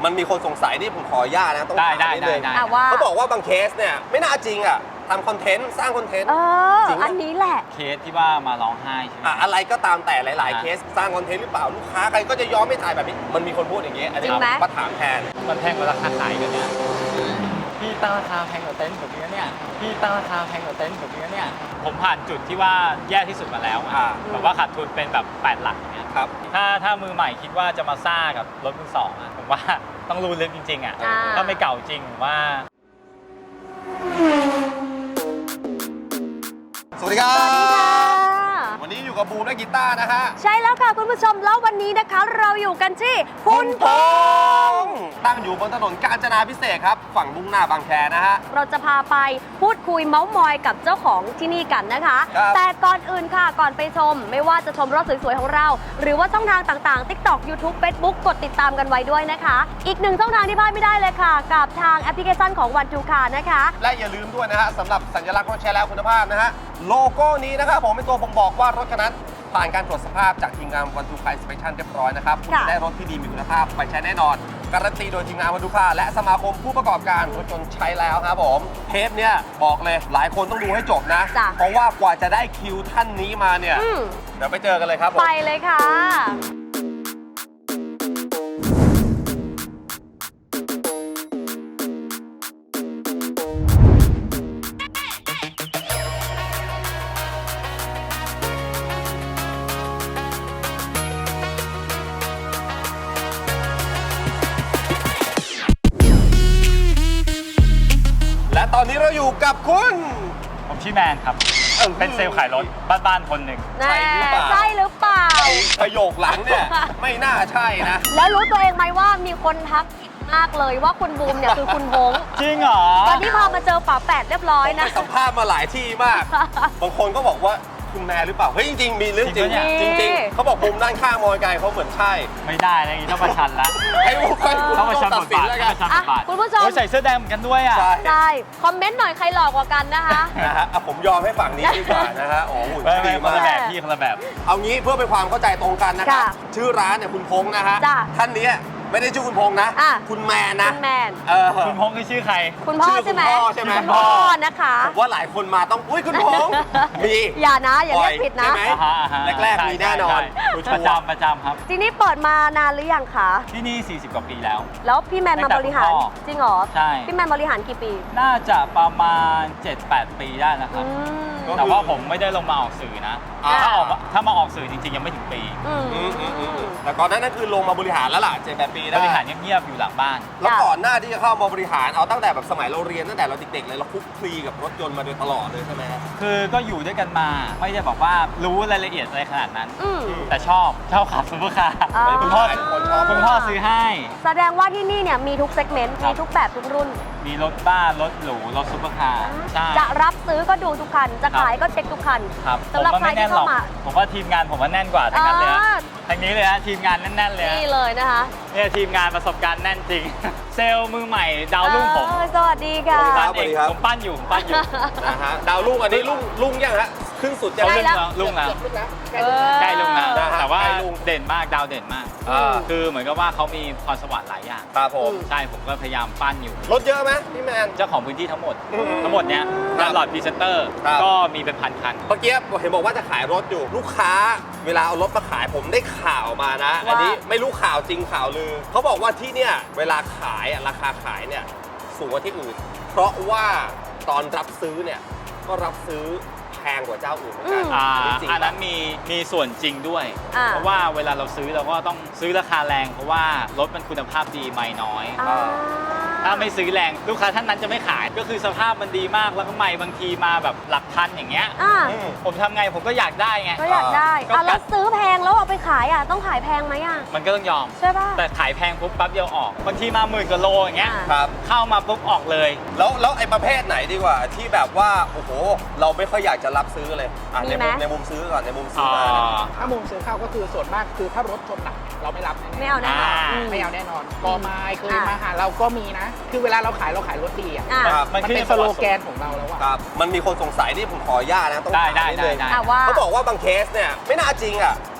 มันมีคนสงสัยที่ผมขออนุญาตนะต้องถามนิดนึงว่าเขาบอกว่าบางเคสเนี่ยไม่น่าจริงอ่ะทำคอนเทนต์สร้างคอนเทนต์จริงอันนี้แหละเคสที่ว่ามาร้องไห้ใช่ไหมอะไรก็ตามแต่หลาย ๆ เคสสร้างคอนเทนต์หรือเปล่าลูกค้าใครก็จะยอมไม่ถ่ายแบบนี้มันมีคนพูดอย่างเงี้ยอันนี้จริงไหมมาถามแทนมันแพงกว่าราคาขายกันเนี่ยพี่ตั้งราคาแพงกว่าเต็นท์แบบนี้เนี่ยพี่ตั้งราคาแพงกว่าเต็นท์แบบนี้เนี่ยผมผ่านจุดที่ว่าแย่ที่สุดมาแล้วอะแบบว่าขาดทุนเป็นแบบ8 หลักเนี่ยครับถ้ามือใหม่คิดว่าจะมาซ่ากับรถมือสองอะผมว่าต้องรู้ลึกจริงๆอะ ถ้าไม่เก่าจริงผมว่าสวัสดีครัสวัสดีค่ะบวันนี้อยู่กับบูมและกีตาร์นะฮะใช่แล้วค่ะคุณผู้ชมแล้ววันนี้นะคะเราอยู่กันที่คุณพงษ์ตั้งอยู่บนถนนกาญจนาพิเศษกครับฝั่งมุ่งหน้าบางแคนะฮะเราจะพาไปพูดคุยเม้าท์มอยกับเจ้าของที่นี่กันนะคะครับแต่ก่อนอื่นค่ะก่อนไปชม ไม่ว่าจะชมรถสวยๆของเรา หรือว่าช่องทางต่างๆ TikTok YouTube Facebook กดติดตามกันไว้ด้วยนะคะ อีกหนึ่งช่องทางที่พลาดไม่ได้เลยค่ะ กับทางแอปพลิเคชันของ One to Car นะคะและอย่าลืมด้วยนะฮะสำหรับสัญลักษณ์รถแชร์แล้วคุณภาพนะฮะโลโก้นี้นะครับผมเป็นตัวบ่งบอกว่ารถคันนั้นผ่านการตรวจสภาพจากทีมงาน One to Car Inspection เรียบร้อยนะครับคุณจะได้รถที่ดีมีคุณภาพไปใช้แน่นอนการันตีโดยทีมงาน One to Car และสมาคมผู้ประกอบการรถยนต์ใช้แล้วครับผมเทปเนี่ยบอกเลยหลายคนต้องดูให้จบนะจ้ะเพราะว่ากว่าจะได้คิวท่านนี้มาเนี่ยอืมเดี๋ยวไปเจอกันเลยครับผมไปเลยค่ะและตอนนี้เราอยู่กับคุณผมชื่อแมนครับ เป็นเซลล์ขายรถบ้านๆคนหนึ่งใช่หรือเปล่าใช่หรือเปล่าประโยคหลังเนี่ยไม่น่าใช่นะแล้วรู้ตัวเองไหมว่ามีคนทักผิดมากเลยว่าคุณบูมเนี่ยคือคุณพงษ์จริงเหรอตอนที่พามาเจอฝาแฝดเรียบร้อยไปนะสัมภาษณ์มาหลายที่มาก บางคนก็บอกว่าคุณแม่หรือเปล่า เฮ้ยจริงๆ มีเรื่องจริงจริงจริงๆเขาบอกมุมด้านข้างมองไกลเขาเหมือนใช่ไม่ได้นะอย่างนี้ต้องประชันละให้ผู้คนต้องประชันตับดทสินบาทแล้วต้กัอน งประชันบทบาทคุณผู้ชมโอ้ยใส่เสื้อแดงเหมือนกันด้วยอ่ะใช่ใช่ คอมเมนต์หน่อยใครหลอกกว่ากันนะคะนะฮะอ่ะผมยอมให้ฝั่งนี้ดีกว่านะฮะโอ้โหไม่ดีคนมาละกแบบพี่คนละแบบเอางี้เพื่อเป็นความเข้าใจตรงกันนะครับค่ะชื่อร้านเนี่ยคุณพงษ์นะฮะจ้ะท่านนี้ไม่ได้ชื่อคุณพงษ์นะอ่ะคุณแมนนะคุณแมนคุณพงษ์คือชื่อใครคุณพ่อชื่อใช่ไหมคุณพ่อใช่ไหมคุณพ่อนะคะผมว่าหลายคนมาต้องอุ้ยคุณพงษ์มีอย่านะอย่าเรียกผิดนะใช่ไหมอ่าฮะอ่าฮะแรกๆใช่มีแน่นอนใช่ผู้ชปมระจำประจำครับทีนี้เปิดมานานหรือยังคะที่นี่ 40 กว่าปีแล้วแล้วพี่แมนมาบริหารตั้งแต่คุณพ่อจริงเหรอใช่พี่แมนบริหารกี่ปีน่าจะประมาณ 7-8 ปีได้นะคอืรับมก็แต่ว่าผมไม่ได้ลงมาออกสื่อนะอ่าถ้ามาออกสื่อจริงๆ ยังไม่ถึงปีอืมแต่ก่อนหนั้นนั่นคือลงมาบริหารแล้วล่ะ7-8 ปีบได้ริหารเงียบๆ อยู่หลังบ้านแล้วก่อนหน้าที่จะเข้ามาบริหารเอาตั้งแต่แบบสมัยเราเรียนตั้งแต่เราเด็กๆเลยเราคลุกคลีกับรถยนต์มาโดยตลอดเลยใช่ไหมฮะคือก็อยู่ด้วยกันมา ไม่ได้บอกว่ารู้รายละเอียดอะไรขนาดนั้นอืมแต่ชอบขับซุปเปอร์คาร์อ่าคุณพ่อคนชอบคุณพ่อซื้อให้แสดงว่าที่นี่เนี่ยมีทุกเซกเมนต์ครับมีทุกแบบทุกรุ่นมีรถบ้าน รถหรู รถซุปเปอร์คาร์ใช่จะรับซื้อก็ดูทุกคัน จะขายก็เช็คทุกคันครับผสำมหรับว่าใครไม่แน่ที่นหรเข้าอกมาผมว่าทีมงานผมว่าแน่นกว่าทั้งนั้นเลยฮะอ่าทางนี้เลยฮะทีมงานแน่นๆเลยฮะนี่เลยนะคะเนี่ยทีมงานประสบการณ์แน่นจริง เซลล์มือใหม่ดาวรุ่งผมสวัสดีค่ะครัปั้บนเองผมปั้นอยู่นะฮะดาวรุ่งอันนี้รุ่งยังฮะขึ้นสุดยังใกล้แล้วรุ่งแล้วเออใกล้รุ่งแล้วนะฮะแต่ว่าใกล้รุ่งเด่นมากดาวเด่นมาก คือเหมือนกับว่าเขามีพรสวรรค์หลายอย่างครับผมใช่ผมก็พยายามปั้นอยู่รถเยอะไหมพี่แมนเจ้าของพื้นที่ทั้งหมดอืมเนี้ยครับตลอดพรีเซนเตอร์ครับก็มีเป็นพันคันเมื่อกี้เห็นบอกว่าจะขายรถอยู่ลูกค้า เวลาเอารถมาขายผมได้ข่าวมานะว่าอันนี้ไม่รู้ข่าวจริงข่าวลือเขาบอกว่าที่เนี่ยเวลาขายอะราคาขายเนี่ยสูงกว่าที่อื่น เพราะว่าตอนรับซื้อเนี่ยก็รับซื้อแพงกว่าเจ้าอื่นเหมือนกัน จริงอันปะนั้นมีส่วนจริงด้วยอ่าเพราะว่าเวลาเราซื้อเราก็ต้องซื้อราคาแรง เพราะว่ารถมันคุณภาพดีไม่น้อยอ่าถ้าไม่ซื้อแรงลูกค้าท่านนั้นจะไม่ขาย ก็คือสภาพมันดีมากแล้วก็ไม่บางทีมาแบบหลักพันอย่างเงี้ยอ่าอืมผมทำไงผมก็อยากได้ไงก็อยากได้ก็แล้วซื้อแพงแล้วเอาไปขายอ่ะต้องขายแพงไหมอ่ะมันก็ต้องยอมใช่ป่ะแต่ขายแพงปุ๊บปั๊บเดียวออกบางทีมา10,000 กว่าโลอย่างเงี้ยอ่าครับเข้ามาปุ๊บออกเลยแล้วไอ้ประเภทไหนดีกว่าที่แบบว่าโอ้โหเราไม่ค่อยอยากจะรับซื้อเลยอ่ะมีไหมในมุมซื้อก่อนในมุมซื้อมานะถ้ามุมซื้อเข้าก็คือส่วนมากคือถ้ารถชนหนักเราไม่รับแน่ๆไม่เอาแน่นอนอ่าอืไม่เอาแน่นอนกอไม้เคยมาหาเราก็มีนะ คือเวลาเราขายรถดีอ่ะอ่าครับมันเป็นสโลแกนของเราแล้วอะครับมันมีคนสงสัยที่ผมขออนุญาตนะต้องได้ถามนิดนึงได้อ่ะว่าเขาบอกว่าบางเคสเนี่ยไม่น่าจริงอ่ะ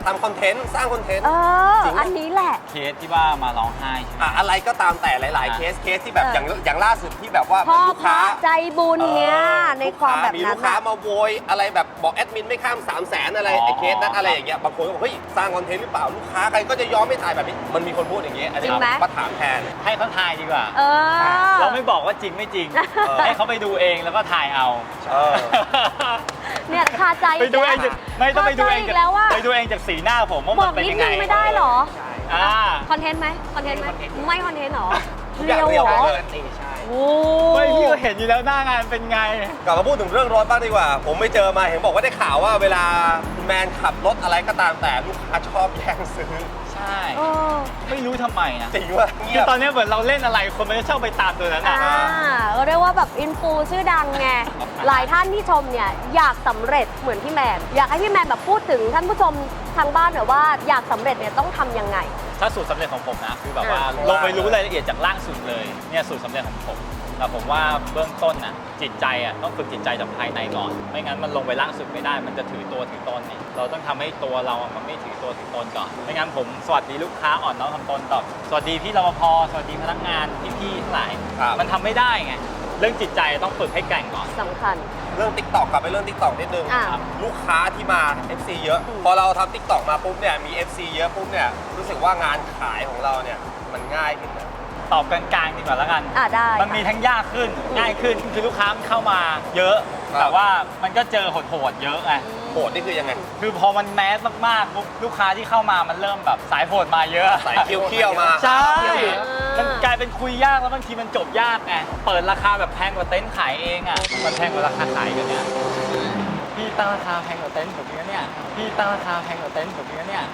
ทำคอนเทนต์สร้างคอนเทนต์ จริงไหมอันนี้แหละเคสที่ว่ามาร้องไห้ใช่ไหมอะไรก็ตามแต่หลาย ๆ เคสที่แบบอย่างล่าสุดที่แบบว่าพ่อลูกพระค้าใจบุญเนี่ยในความแบบมีนั้ลูนกค้าน่ะมาโวยอะไรแบบบอกแอดมินไม่ข้าม 300,000 อะไรไอ้เคสนั้นอะไรอย่างเงี้ยบางคนก็บอกเฮ้ยสร้างคอนเทนต์หรือเปล่าลูกค้าใครก็จะยอมไม่ถ่ายแบบนี้มันมีคนพูดอย่างเงี้ยอันนี้จริงไหมมาถามแทนให้เขาทายดีกว่าเออเราไม่บอกว่าจริงไม่จริง ให้เขาไปดูเองแล้วก็ทายเอาเออเนี่ยคาใจไปดูเองจากไม่ต้องไปดูเองคาใจจากแล้วว่าไปดูเองจากสีหน้าผมว่าบมัอน กเป็นนิดยังไงนึงไม่ได้เหรอใช่อ่าคอนเทนต์ไหมคอนเทนต์ไหมไม่คอนเทนต์เหรอทุกอย่างเรียวเหรอเลยใช่โอ้ไม่พี่ก็เห็นอยู่แล้วหน้างานเป็นไงกลับมาพูดถึงเรื่องรถบ้างดีกว่า ผมไม่เจอมาเห็นบอกว่าได้ข่าวว่าเวลาคุณแมนขับรถอะไรก็ตามแต่ลูกค้าชอบแย่งซื้อใช่เออไม่รู้ทำไมนะจริงว่าเงีคืยอบ ตอนนี้เหมือนเราเล่นอะไรคนมันจะชอบไปตามตัวนั้นอ่าอ่ะก็เรียกว่าแบบอินฟูชื่อดังไง หลายท่านที่ชมเนี่ยอยากสำเร็จเหมือนพี่แมน อยากให้พี่แมนแบบพูดถึงท่านผู้ชมทางบ้านหน่อยว่าอยากสำเร็จเนี่ยต้องทำยังไงถ้าสูตรสำเร็จของผมนะคือแบบว่าอ่าลงไปรู้รายละเอียดจากล่างสุดเลยเนี่ยสูตรสำเร็จของผมแต่ผมว่าเบื้องต้นน่ะจิตใจอ่ะต้องฝึกจิตใจจากภายในก่อน ไม่งั้นมันลงไปล่างสุดไม่ได้ มันจะถือตัวถือตนเนี่ยเราต้องทำให้ตัวเราอ่ะมันไม่ถือตัวถือตนก่อนไม่งั้นผมสวัสดีลูกค้าอ่อนน้อมถ่อมตนตอบสวัสดีพี่รปภสวัสดีพนักงานพี่ๆทั้งหลายครับมันทำไม่ได้ไงเรื่องจิตใจต้องฝึกให้แกร่งก่อนสำคัญเรื่อง TikTok กลับไปเรื่อง TikTok นิดนึงอ่าลูกค้าที่มา FC เยอะอืมพอเราทำ TikTok มาปุ๊บเนี่ยมี FC เยอะปุ๊บเนี่ยรู้สึกว่างานขายของเราเนี่ยมันง่ายขึ้นนะตอบกลางๆดีกว่าแล้วกันได้มันมีทั้งยากขึ้นง่ายขึ้นคือลูกค้ามันเข้ามาเยอะครับแต่ว่ามันก็เจอโหดๆเยอะไงโหดนี่คือยังไงคือพอมันแมสมากๆปุ๊บลูกค้าที่เข้ามามันเริ่มแบบสายโหดมาเยอะสายเคี้ยวๆมาใช่อ่ามัมันกลายเป็นคุยยากแล้วบางทีมันจบยากไงเปิดราคาแบบแพงกว่าเต็นท์ขายเองอ่ะมันแพงกว่าราคาขายกันเนี่ยพี่ตั้งราคาแพงกว่าเต็นท์ผมอีกนะเนี่ยพี่ตั้งราคาแพงกว่าเต็นท์ผมอีกนะเนี่ย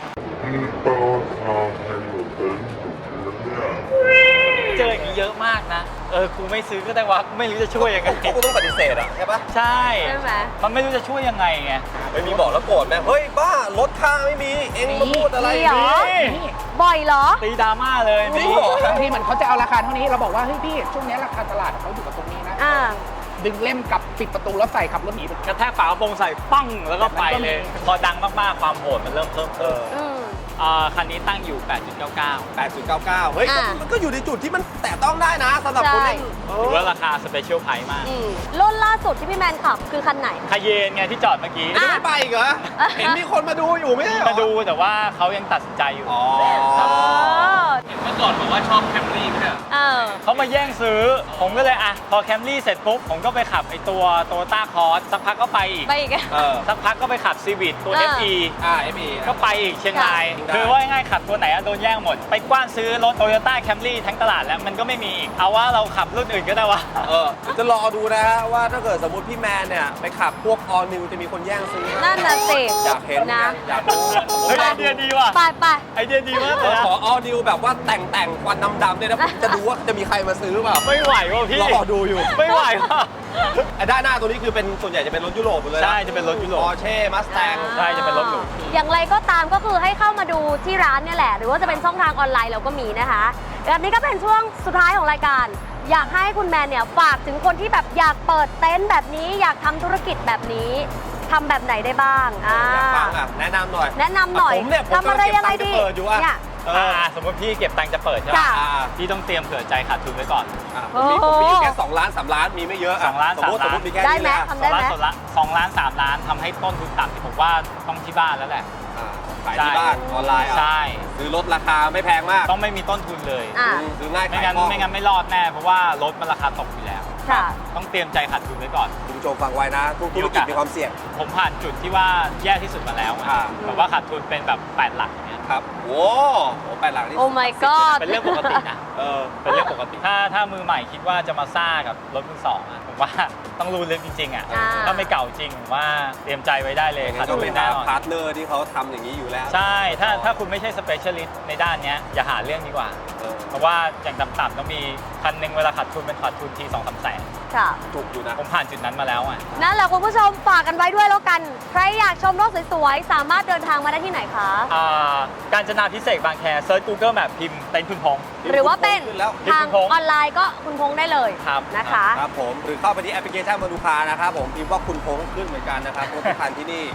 เจออย่างนี้เยอะมากนะกูไม่ซื้อก็ได้วะกูไม่รู้จะช่วยยังไงเขาก็ต้องปฏิเสธอ่ะใช่ปะใช่ใช่ไหมมันไม่รู้จะช่วยยังไงไงไม่มีบอกแล้วโกรธไหมเฮ้ยบ้าลดค่าไม่มีเองมาพูดอะไรมีเหรอนี่บ่อยเหรอตีดราม่าเลยจริงเหรอบางทีเหมือนเขาจะเอาราคาเท่านี้เราบอกว่าเฮ้ยพี่ช่วงนี้ราคาตลาดเขาอยู่กับตรงนี้นะอ่าดึงเล่มกลับปิดประตูแล้วใส่ขับรถหนีไปกระแทกฝากระโปรงใส่ปั้งแล้วก็ไปเลยแบบนั้นก็มีพอดังมากๆความโหดมันเริ่มเพิ่มอืมคันนี้ตั้งอยู่ 8.99 8.99 เฮ้ยอ่ามันก็อยู่ในจุดที่มันแตะต้องได้นะสำหรับคนเล่นใช่ถือว่าราคาสเปเชียลไพรส์มากอืมรุ่นล่าสุดที่พี่แมนขับคือคันไหนคาเยนไงที่จอดเมื่อกี้อ่ะไม่ไปอีกเหรอ เห็นมีคนมาดูอยู่ไม่ใช่เหรอมาดูแต่ว่าเขายังตัดสินใจอยู่อ๋อเออเมื่อก่อนบอกว่าชอบแคมรี่ไม่ใช่เออเขามาแย่งซื้อ ผมก็เลยอ่ะพอแคมรี่เสร็จปุ๊บ ผมก็ไปขับไอตัวโตโยต้าคอร์สสักพักก็ไปอีกไปอีกอะเออสักพักก็ไปขับซีวิตตัว FE FE ก็ไปอีกเชียงรายค่ะคือว่าง่ายๆขับตัวไหนอะโดนแย่งหมด ไปกว้านซื้อรถโตโยต้าแคมรี่ทั้งตลาดแล้วมันก็ไม่มีอีก เอาว่าเราขับรุ่นอื่นก็ได้วะจะรอดูนะฮะว่าถ้าเกิดสมมติพี่แมนเนี่ย ไปขับพวก All New จะมีคนแย่งซื้อไหมนั่นน่ะสิอยากเห็นนะอยากรู้เฮ้ยไอเดียดีว่ะไปไปไอเดียดีมากเลยนะขอ All New แบบว่าแต่งควันดำๆเนี่ยนะผมจะดูว่าจะมีใครมาซื้อเปล่าไม่ไหวว่ะพี่รอดูอยู่ไม่ไหวว่ะไอ้ด้านหน้าตัวนี้คือเป็นส่วนใหญ่จะเป็นรถยุโรปหมดเลยนใช่จะเป็นรถยุโรป Porsche Mustang ใช่จะเป็นรถหรูอย่างไรก็ตามก็คือให้เข้ามาดูที่ร้านเนี่ยแหละ หรือว่าจะเป็นช่องทางออนไลน์เราก็มีนะคะแบบนี้ก็เป็นช่วงสุดท้ายของรายการ อยากให้คุณแมนเนี่ยฝากถึงคนที่แบบอยากเปิดเต็นท์แบบนี้ อยากทำธุรกิจแบบนี้ทำแบบไหนได้บ้างอยากฟังอ่ะแนะนำหน่อยแนะนำหน่อยผมเนี่ยผมทำอะไรยังไงดีกำลังเก็บตังค์จะเปิดอยู่อะเนี่ยสมมติพี่เก็บตังค์จะเปิดใช่ไหมจ้ะพี่ต้องเตรียมเผื่อใจขาดทุนไว้ก่อนผมมีอยู่แค่2 ล้าน 3 ล้านมีไม่เยอะอะ 2 ล้านสมมติ 3 ล้านมีแค่ได้นี้ไหมแหละทำได้ไหม 2 ล้าน 3 ล้านทำให้ต้นทุนต่ำที่ผมว่าต้องที่บ้านแล้วแหละขายที่บ้านออนไลน์อ่ะใช่ซื้อรถราคาไม่แพงมากต้องไม่มีต้นทุนเลยอ่ะซื้อง่ายไม่ขายงั้นคล่องไม่งั้นไม่รอดแน่เพราะว่ารถมันราคาตกอยู่แล้วค่ะต้องเตรียมใจขาดทุนไว้ก่อนคุณผู้ชมฟังไว้นะทุกธุรกิจมีความเสี่ยงผมผ่านจุดที่ว่าแย่ที่สุดมาแล้วอะอ่าแบบว่าขาดทุนเป็นแบบ8หลักเนี่ยครับโอ้โห8 หลักนี่โอ้ my god เป็นเรื่องปกตินะ เป็นเรื่องปกติ ถ้ามือใหม่คิดว่าจะมาซ่ากับรถมือสองอะผมว่าต้องรู้ลึกจริงๆอ่ะอ่าถ้าไม่เก่าจริงผมว่าเตรียมใจไว้ได้เลยอย่างขานั้ดนก็ทุนเป็นแน่นอนพาร์ทเนอร์ที่เขาทำอย่างนี้อยู่แล้วใช่ ถ้าคุณไม่ใช่สเปเชียลิสต์ในด้านเนี้ยอย่าหาเรื่องดีกว่าเออเพราะว่าอย่างต่ำๆต้องมีคันหนึ่งเวลาขาดทุนเป็นขาดทุนที 2-3 แสนค่ะถูกอยู่นะผมผ่านจุดนั้นมาแล้วอ่ะนั่นแหละคุณผู้ชมฝากกันไว้ด้วยแล้วกัน ใครอยากชมรถสวยๆ สามารถเดินทางมาได้ที่ไหนคะการจนาพิเศษกบางแคเซิร์ช Google Map พิมพ์เต็นท์คุณพงษ์หรือว่าเป็นขึ้นแล้วทางออนไลน์ก็คุณพงษ์ได้เลยครับนะคะครับผมหรือเข้าไปที่แอปพลิเคชันมาดูคานะครับผมพิมพ์ว่าคุณพงษ์ขึ้นเหมือนกันนะครับรถทุกคันที่นี่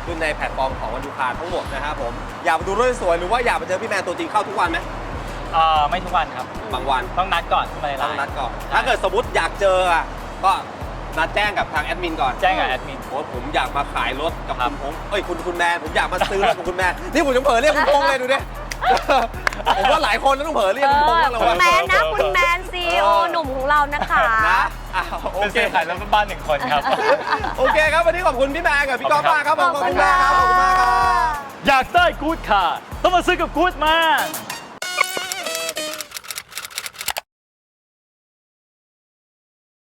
ขึ้นในแพลตฟอร์มของวันดูคาทั้งหมดนะครับผมอยากมาดูรถสวยหรือว่าอยากมาเจอพี่แมนตัวจริงเข้าทุกวันไหมไม่ทุกวันครับบางวันต้องนัดก่อนขึ้นมาในไลต้องน์นัดก่อนใช่ถ้าเกิดสมมติอยากเจออ่ะก็นัดแจ้งกับทางแอดมินก่อนแจ้งกับแอดมินโอ้ผมอยากมาขายรถกับครัคุบณพงษ์คุณแมนผมอยากมาซื้อรถกับคุณแมนนี่ผมจะเผลอเรียกคุณพงษ์เลยดูดิ ผมว่าหลายคนต้องเผลอเรียกคุณพงษ์แล้วคุณว่าแมนนะคุณแมน CEO หนุ่มของเรานะคะนะโอเป็นเคเซลล์ขายรถบ้าน1 คนครับโอเคครับวันนี้ขอบคุณพี่แมนกับพี่ก๊อฟมากครับผมขอบคุณมากครับขอบคุณมากครับอยากได้กู๊ดค่ะ ต้องมาซื้อกับกู๊ดมา